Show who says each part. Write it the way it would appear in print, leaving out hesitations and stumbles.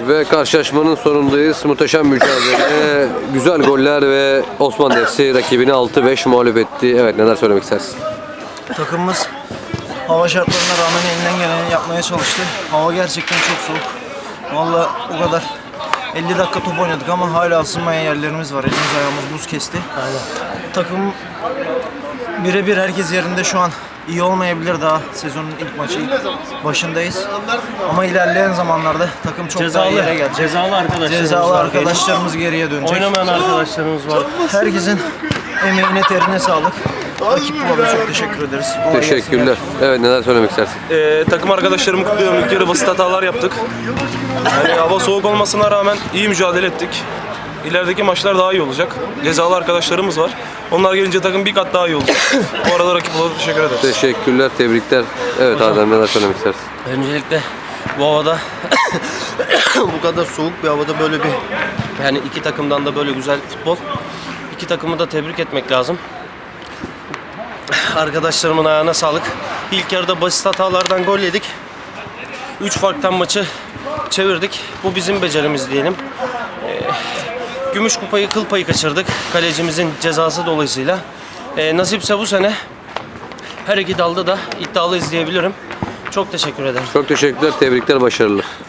Speaker 1: Ve karşılaşmanın sonundayız. Muhteşem mücadele, güzel goller ve Osman Defsi rakibini 6-5 mağlup etti. Evet, neler söylemek istersin?
Speaker 2: Takımımız hava şartlarına rağmen elinden geleni yapmaya çalıştı. Hava gerçekten çok soğuk. Vallahi o kadar 50 dakika top oynadık ama hala ısınmayan yerlerimiz var. Elimiz ayağımız buz kesti. Aynen. Takım birebir herkes yerinde şu an. İyi olmayabilir, daha sezonun ilk maçı başındayız. Ama ilerleyen zamanlarda takım çok daha iyi yere gelecek.
Speaker 3: Cezalı
Speaker 2: arkadaşlarımız geriye dönecek.
Speaker 3: Oynamayan arkadaşlarımız var.
Speaker 2: Herkesin emeğine, terine sağlık. Rakip Bulab'a çok teşekkür ederiz.
Speaker 1: Teşekkürler. Evet, neler söylemek istersin?
Speaker 4: Takım arkadaşlarımı kutluyorum. İlk yarı basit hatalar yaptık. Yani hava soğuk olmasına rağmen iyi mücadele ettik. İlerideki maçlar daha iyi olacak. Cezalı arkadaşlarımız var. Onlar gelince takım bir kat daha iyi olacak. Bu arada rakip Bulab'a teşekkür ederiz.
Speaker 1: Teşekkürler, tebrikler. Evet Adem, neler söylemek istersin?
Speaker 3: Öncelikle bu havada bu kadar soğuk bir havada böyle bir, yani iki takımdan da böyle güzel futbol. İki takımı da tebrik etmek lazım. Arkadaşlarımın ayağına sağlık. İlk yarıda basit hatalardan gol yedik. 3 farktan maçı çevirdik. Bu bizim becerimiz diyelim. Gümüş kupayı, kıl payı kaçırdık. Kalecimizin cezası dolayısıyla. Nasipse bu sene her iki dalda da iddialı izleyebilirim. Çok teşekkür ederim.
Speaker 1: Çok teşekkürler, tebrikler, başarılar.